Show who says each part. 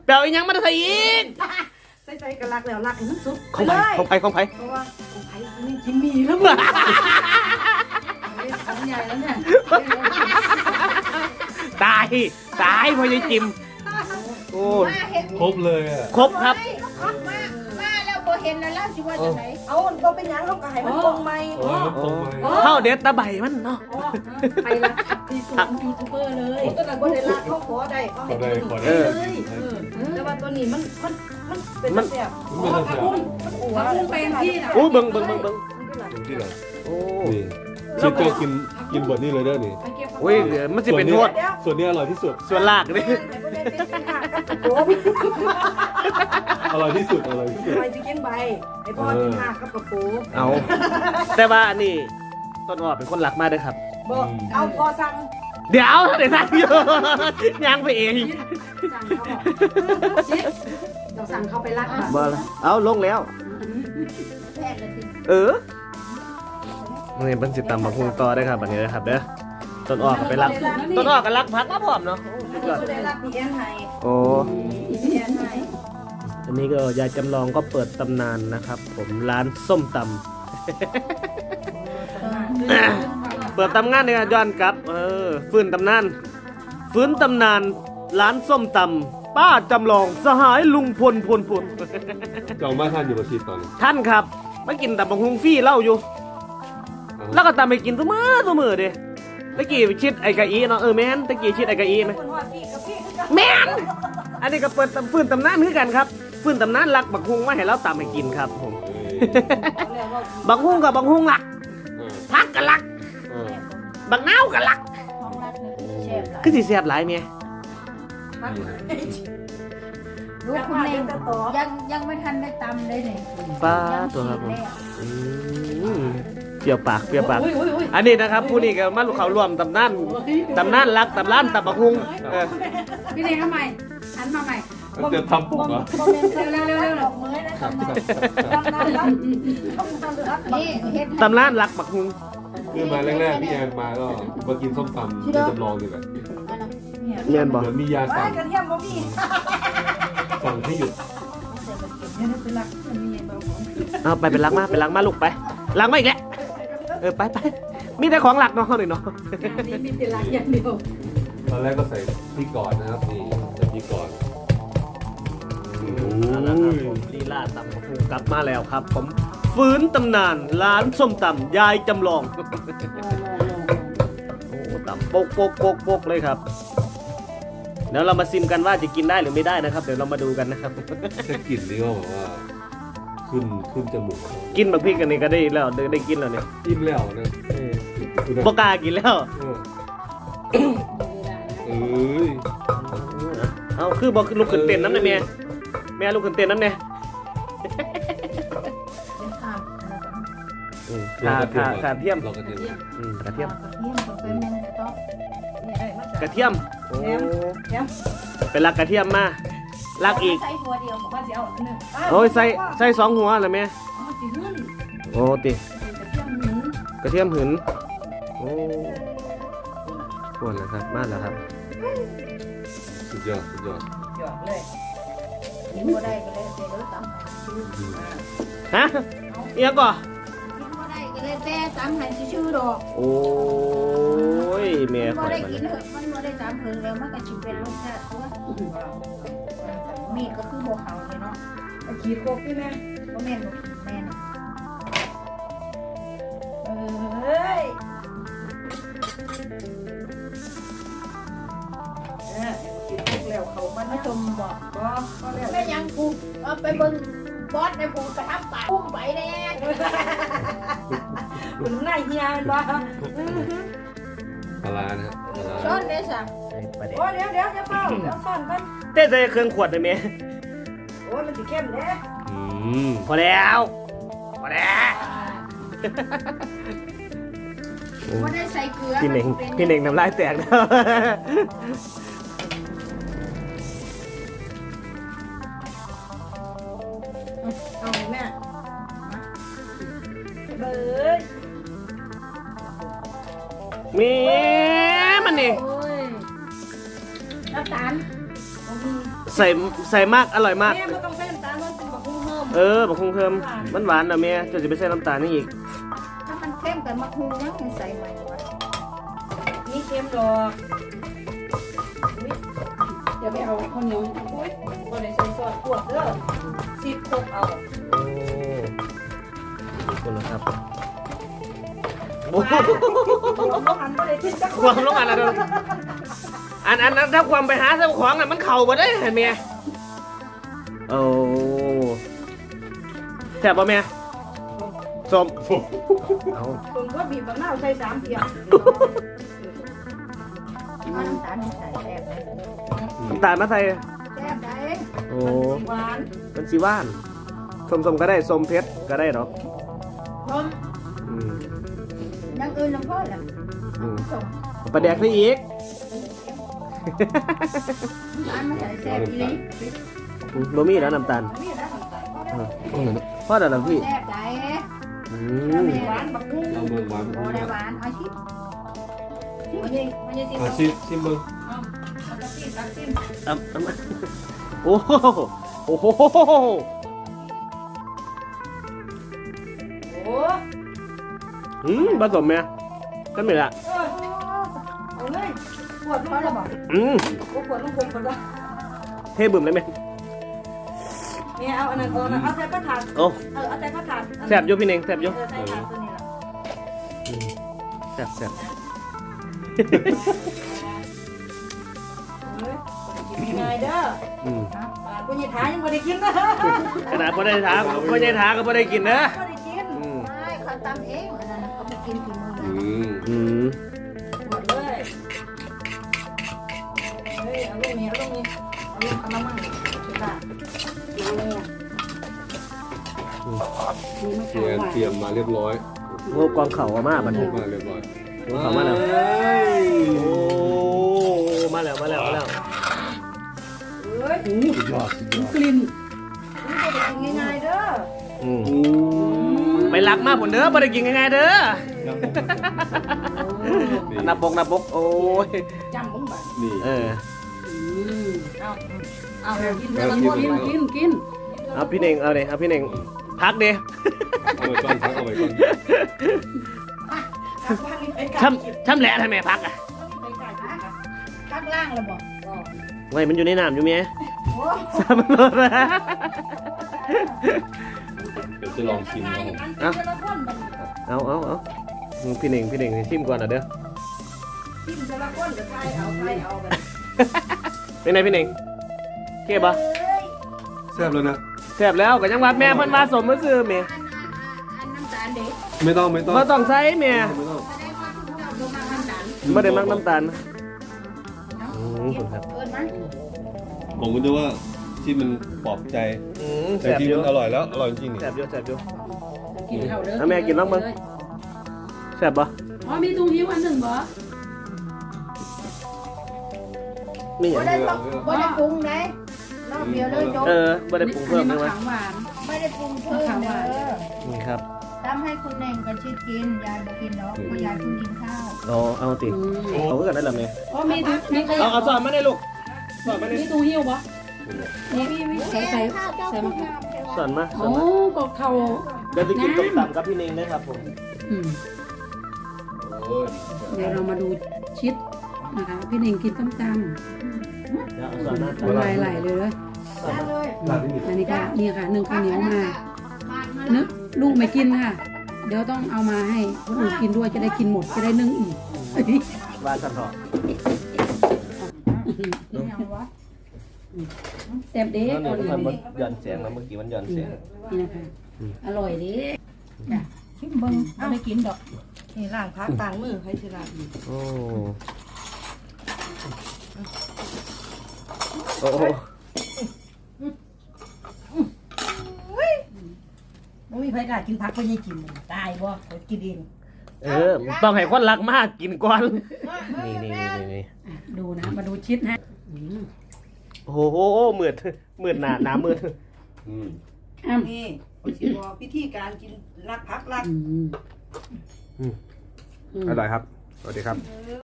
Speaker 1: เปล่าอีหยังมาใส่อีก
Speaker 2: ใส่กระลักแล้วลักให้มันสุด
Speaker 1: ของไผ่เพราะ
Speaker 2: ว่าของไผ่นี่กินมีแล้วมึงของใหญ่แล้วเนี่ย
Speaker 1: ตายพอยายจิมโอ้
Speaker 3: ครบเลยอ่ะ
Speaker 1: ครบครับ
Speaker 4: มาแล้วบ่เห็นแล้วสิว่าจังได๋
Speaker 2: เอาบ่เป็นหยังเขาก็ให้มันตรงใหม่
Speaker 1: เข้าเด็ดตะไบมันเนาะ
Speaker 2: ไปละที่สุดยูทูบเบอร์เลยก็แต่บ่ได้ละเขาขอได้เขาให้เลยแต่ว่าตัวนี้มันเป็นแซ่บมันเป็นที่น่ะ
Speaker 1: โอ้เบิ่ง
Speaker 3: ที่ไหน
Speaker 1: โอ้
Speaker 3: ชิคเกอร์กินบทนี้เลยเด้อนี่
Speaker 1: โอ้ยมันสิเป็นโทษ
Speaker 3: ส่วนนี้อร่อยที่สุด
Speaker 1: ส่วนลากนี่
Speaker 3: อร่อยที่สุด
Speaker 2: ไปสิกินใบไอ้พ่อกินหักกับกระปู
Speaker 1: เอาแต่ว่านี่ต้นอ้อเป็นคนรักมากเลยครับ
Speaker 2: บอกเอาพอสั่ง
Speaker 1: เดี๋ยวเดี๋ยวสั่งอยู่ยังไปเอง
Speaker 2: สั่งเขาบอกเราสั่งเขาไปรัก
Speaker 1: บ่ละเอาลงแล้วนี่เป็นสิตำบักหุ่งต่อได้ครับแบบนี้นะครับเด้อต้นอ้อก็ไปรักต้นอ้อก็รักพักมาพร้อมเนาะโอ้อันนี้ก็ยายจำลองก็เปิดตำนานนะครับผมร้านส้มตำเปิดตำนานเนี่ยย้อนกลับฟื้นตำนานร้านส้มตำป้าจำลองสหายลุงพล
Speaker 3: จองบ้านท่านอยู่ประชิดตอนนี้
Speaker 1: ท่านครับมากินตำบักหุ่งฟรีเล่าอยู่แล้วก็ตามไปกินตัวมือเด้ตะกี้ชิดไอ้กะอีเนาะแม่นตะกี้ชิดไอ้กะอีไหมแม่นอันนี้ก็เปิดฟื้นตำนานคือกันครับฟื้นตำนานรักบักหุ่งมาให้เราตามไปกินครับผมบักหุ่งกับบักหุ่งรักพักกันรักบักเน่ากันรักคือสิแซ่บหลายเมีย
Speaker 4: ลูกคุณเองยังไม่ทันได้ตำเลยเนี่ย
Speaker 1: ป้าตัวครับผมเปรี้ยวปากอันนี้นะครับผู้นี้ก็มาลูกเขารวมตำนานรักตำร้านตำบักหุ่ง
Speaker 4: พี่เด็กทำไมหันมาใหม่
Speaker 3: จะทำปุ๊บเหรอ
Speaker 4: เร็ว
Speaker 1: ตำร้านรักบักหุ่ง
Speaker 3: คือมาแรกๆพี่แอนมาก็มากินส้มตำจำลองดีกว่า
Speaker 1: เมียนบอก
Speaker 3: มียาสั่งให้หยุด
Speaker 1: เอาไปเป็นรักมาลูกไปรักมาอีกแล้วไปมีแต่ของหลักเนาะหน่อยเนาะ
Speaker 2: มีแต่รักอย่างเดียว
Speaker 3: ตอนแรกก็ใส่พี่ก่อนนะครับนี่ใส่พี่ก่อน
Speaker 1: ลีลาตำบักหุ่งกลับมาแล้วครับผมฟื้นตำนานร้านส้มตำยายจำลองโอ้ตำโปกเลยครับเดี๋ยวเรามาซิมกันว่าจะกินได้หรือไม่ได้นะครับเดี๋ยวเรามาดูกันนะครับ
Speaker 3: แค่กลิ่นนี่ก็บอกว่าขึ้นจมูก
Speaker 1: กินบักพริกกันนี่ก็ได้แล้วได้กินแล้วเนี่ย
Speaker 3: อิ่มแล้วนะ
Speaker 1: บกากินแล้วเอาคือบอกลูกขึ้นเต้นน้ำเนี่ยแม่ลูกขึ้นเต้นน้ำเนี่ยขาเทียมกระเทียมเป็นลักกระเทียมมาลักอีกโอ้ยใส่2 หัวเลยแม่โอ้ติกระเทียมหืนโอ้ปวดแล้วครับมากแล้วครับ
Speaker 3: สุดยอด
Speaker 2: เลย
Speaker 4: กินบ่ได้ก็เลยเดี๋ยวตำ
Speaker 1: ฮะเอียก่อ
Speaker 4: กินบ่ได้ก็เลยแต่ตำให้ชื่อดอก
Speaker 1: โอ้ยแม่
Speaker 4: บ่ได้กินมันบ่ได้ตำเพิ่งแล้วมันก็สิเป็นรสชาติตัวมีก็คือบ่เข้าเลยเนาะ
Speaker 2: ขีดโคกพี่แม่
Speaker 4: บ่แม่นบ่แม่น
Speaker 2: แล้วเขามันชมบอก
Speaker 4: แม่ยังกูไปเบิ่งบอสในผูกระทับปากพุ่มไปแน่
Speaker 2: คุณนายเฮียบ้า
Speaker 3: ปลานะ
Speaker 4: ช้อนได้สั่ง
Speaker 2: โอ้เดี๋ยวจะเฝ้าเดี๋ยวซ่อนกัน
Speaker 1: เต้ใจเครื่องขวดเลยเมย์
Speaker 2: โอ้มันสีเข้มเด้
Speaker 1: พอแล้ว
Speaker 4: ไม่ได้ใส่เกลือ
Speaker 1: พี่เน่งน้ำลายแตกนะ
Speaker 2: เอาแม่เบ้ย
Speaker 1: มันนี่
Speaker 4: น้ำตาล
Speaker 1: ใส่มากอร่อยมาก
Speaker 2: แม่ไม่ต้องใส่น้ำตาลมันเป็นบักหุ่งเพิ่ม
Speaker 1: บักคงเคิมมันหวานนะแม่จะไปใส่น้ำตาลนี่อีก
Speaker 4: ถ้ามันเข้มกับมะฮูยังใส่ใหม่วะ
Speaker 2: นี่เค็มดอก
Speaker 5: เดี๋ยวไปเอาข้าวเหนียว
Speaker 2: อุ้ยบ่ได้ใส่ซอสขวดเด้อสิบตกเอา
Speaker 1: โอ้ขอบคุณนะครับโอ้
Speaker 2: หันบ่ได้คิดจัก
Speaker 1: ความลงอันนั้นอันนั้นถ้าความไปหาเจ้าของอ่ะมันเข่าบ่ได้เห็นไหมโอ้แซ่บป่ะแม่ส้มเอา
Speaker 2: ส่วนก็บีบมะนาวใส่3เพียง
Speaker 4: เอาน้ำตาลใส่แซ่บได้
Speaker 1: น้ำตาลมาใส่
Speaker 4: แซ่บได้
Speaker 1: โอ้
Speaker 2: หวาน
Speaker 1: มันสีว่านส้มๆก็ได้ส้มเพชรก็ได้เนาะ
Speaker 2: หอม
Speaker 1: อืม
Speaker 4: ยังอื่นน้ำพ่อแหละ
Speaker 1: อืม
Speaker 4: ส่ง
Speaker 1: ปลาแดกได้อีก
Speaker 4: น้ำตาลมาใส่แซ่บอีหลี
Speaker 1: บะหมี่แล้วน้ำตาล
Speaker 2: นี่นะน้ำตาล
Speaker 1: พ่อเดี๋ยวนะพี่
Speaker 4: แซ่บได้
Speaker 1: อืม
Speaker 2: หวานบักหุ่ง
Speaker 3: เราเมืองหวาน
Speaker 4: โอ้ได้หวานเอาชิม
Speaker 2: มันยังสิ
Speaker 3: อาชีพชิมเมือง
Speaker 2: เอากระติบตักซิม
Speaker 1: โอ้โหโอ้โห
Speaker 2: โอ้
Speaker 1: ผสมไหมก็ไม่ละ
Speaker 2: เอาเลยขวดเขาแล้วบอก ขวดลูกคงคนละ
Speaker 1: เทบึมเลยไหม
Speaker 2: เนี่ยเอาอันนั้นเอาใส่กระถาง
Speaker 1: โอ้
Speaker 2: เอาใส่กระถาง
Speaker 1: แสบอยู่พี่เน่งแสบอยู่
Speaker 2: ใส่ถาดตัวนี้ละ
Speaker 1: แสบ
Speaker 2: เฮ้ยกินง่ายเด้อ
Speaker 1: อืม
Speaker 2: กูยังท้ายังไม่ได้กินนะ
Speaker 1: ขนาดพอได้ถามพอได้ถามก็พอได้กินนะ
Speaker 2: ไม่ได้กิน
Speaker 1: อืม
Speaker 4: ใช่เขาตำเองอันนั้นเขาไปกินฝีมือ
Speaker 3: อืม
Speaker 2: หมดเลยเฮ้ยเอาลูกนี้เอาลูกนี้เอาลูกเอามามั่งชุดละ
Speaker 5: มีมะ
Speaker 3: เตรี
Speaker 5: ขาม
Speaker 3: ยม
Speaker 5: หวาน
Speaker 3: เตรียมมาเรียบร้อย
Speaker 1: โอ้กองเข่ามาบันทึก
Speaker 3: มาเรียบร้อย
Speaker 1: กองเข่ามาแล้วโอ้มาแล้ว
Speaker 2: เฮ้ย
Speaker 3: สุดยอดสุดยอด
Speaker 5: กลิ่น
Speaker 2: ไม่ได้กินง่ายๆเด้อ
Speaker 1: อืมไปรักมากผลเด้อไม่ได้กินง่ายๆเด้อนับบกโอ้ย
Speaker 2: จำมึงบ่
Speaker 3: นี่
Speaker 1: เออ
Speaker 2: เอากิน
Speaker 3: แล้
Speaker 2: แต่
Speaker 3: ว
Speaker 2: ละ
Speaker 3: กิ
Speaker 2: คน น
Speaker 5: กิน
Speaker 1: เอาพี่เน่งเอาเลยเอาพี่เน่งพักเด้
Speaker 3: เอาไว้ก่อนพักเอาไว้ก่อน
Speaker 1: ช่ำแหละทำไมพักอ่ะ
Speaker 4: ข้างล่างเลยบอก
Speaker 1: ไว้มันอยู่ในน้ำอยู่ไหม
Speaker 4: โอ้
Speaker 1: สามรถนะ
Speaker 3: เดี๋ยวจะลองชิมนะครับ
Speaker 1: เอาพี่เน่งชิมก่อนนะเด้อ
Speaker 2: กินแต่ละคนก็ทายเอาแบบ
Speaker 1: เป็นไงพี่เน่งเก็บปะ
Speaker 3: แซ่บแล้วนะ
Speaker 1: แซ่บแล้วก็ยังว่าแม่เพิ่นมาสมมาซื้อแม่
Speaker 4: อันน้ำตาลเด็ก
Speaker 3: ไม่ต้อง
Speaker 1: บ่ต้องใส่แม่
Speaker 3: ไม่ต้อง
Speaker 1: บ่ได้มักน้ำตาลครับ
Speaker 4: เกินไหม
Speaker 3: ผมก็จะว่าที่มันปลอบใจ แต่
Speaker 1: แซ่บ
Speaker 3: จริง
Speaker 1: อยู่
Speaker 3: มันอร่อยแล้วอร่อยจริงนี่
Speaker 1: แซ่บอยู่
Speaker 5: กินข้าวเด้อ
Speaker 1: เอาแม่กินบ้างมั้ง แซ่บปะ
Speaker 5: อ๋อมีตุ้งหิ้วอันหนึ่งบ่
Speaker 1: นี่
Speaker 4: บ่ได้บ่ได้ปรุงเลยรอบเดียวเลยจบ
Speaker 1: บ่ได้ปรุงเพิ่ม
Speaker 5: มะ
Speaker 1: ใช่ไหม
Speaker 5: ขามหวาน
Speaker 4: ไม่ได้ปรุงเพิ่มเด้อ
Speaker 1: นี่ครับ
Speaker 4: ทำให้คุณเน่งกับชิดกินยายบ่กินเนาะเพราะยายเพิ่งกินข้าว
Speaker 1: เอาติเอาเพื่อนได้หรอแม่
Speaker 5: อ๋อมี
Speaker 1: เอาสอนมาได้ลูกสอนมาได้
Speaker 5: มีตุ้งหิ้วบ่ใส่มะขาม
Speaker 1: สอนมา
Speaker 5: โอ้ก็เข้า
Speaker 1: เดี๋ยวจะกินต้มตำกับพี่เน่งนะครับผม
Speaker 3: โอ้ย
Speaker 5: เดี๋ยวเรามาดูชิดนะคะพี่เน่งกินส้มต
Speaker 1: เดี๋ยวเอาสอนมา
Speaker 5: ำน้ำลายไหลเลย
Speaker 1: สอนมา
Speaker 4: เลย
Speaker 3: ร้านนี้
Speaker 5: อันนี้ค่ะนี่ค่ะนึ่งข้าวเหนียวมานึกลูกไม่กินค่ะ เดี๋ยวต้องเอามาให้คนอื่นกินด้วยจะได้กินหมดจะได้นึ่งอีก
Speaker 1: ว่าสันเถาะ
Speaker 5: แซ่บเด้
Speaker 1: แล้ว
Speaker 5: เกา
Speaker 1: นี่
Speaker 5: หลี
Speaker 1: มันย้อนเสียงแล้วเมื่อกี้มันย้อนเสียง
Speaker 5: นี่นะคะอร่อยเด้
Speaker 4: ชิมเบิ่งบ่ได้กินดอก
Speaker 2: นี่ล้างพักต่างมือให้สิล้าง
Speaker 1: โอ้โอ้
Speaker 2: บ่มีใครกล้ากินผักบ่ยังกินตายบ่กินเอง
Speaker 1: ต้องให้คนรักมากกินก่อนนี่
Speaker 5: ดูนะมาดูชิดนะ
Speaker 1: โอ้โหมืดหนามืด
Speaker 3: อืม
Speaker 2: นี่สิบอกวิธีการกินรักผักรัก
Speaker 1: อร่อยครับ สวัสดีครับ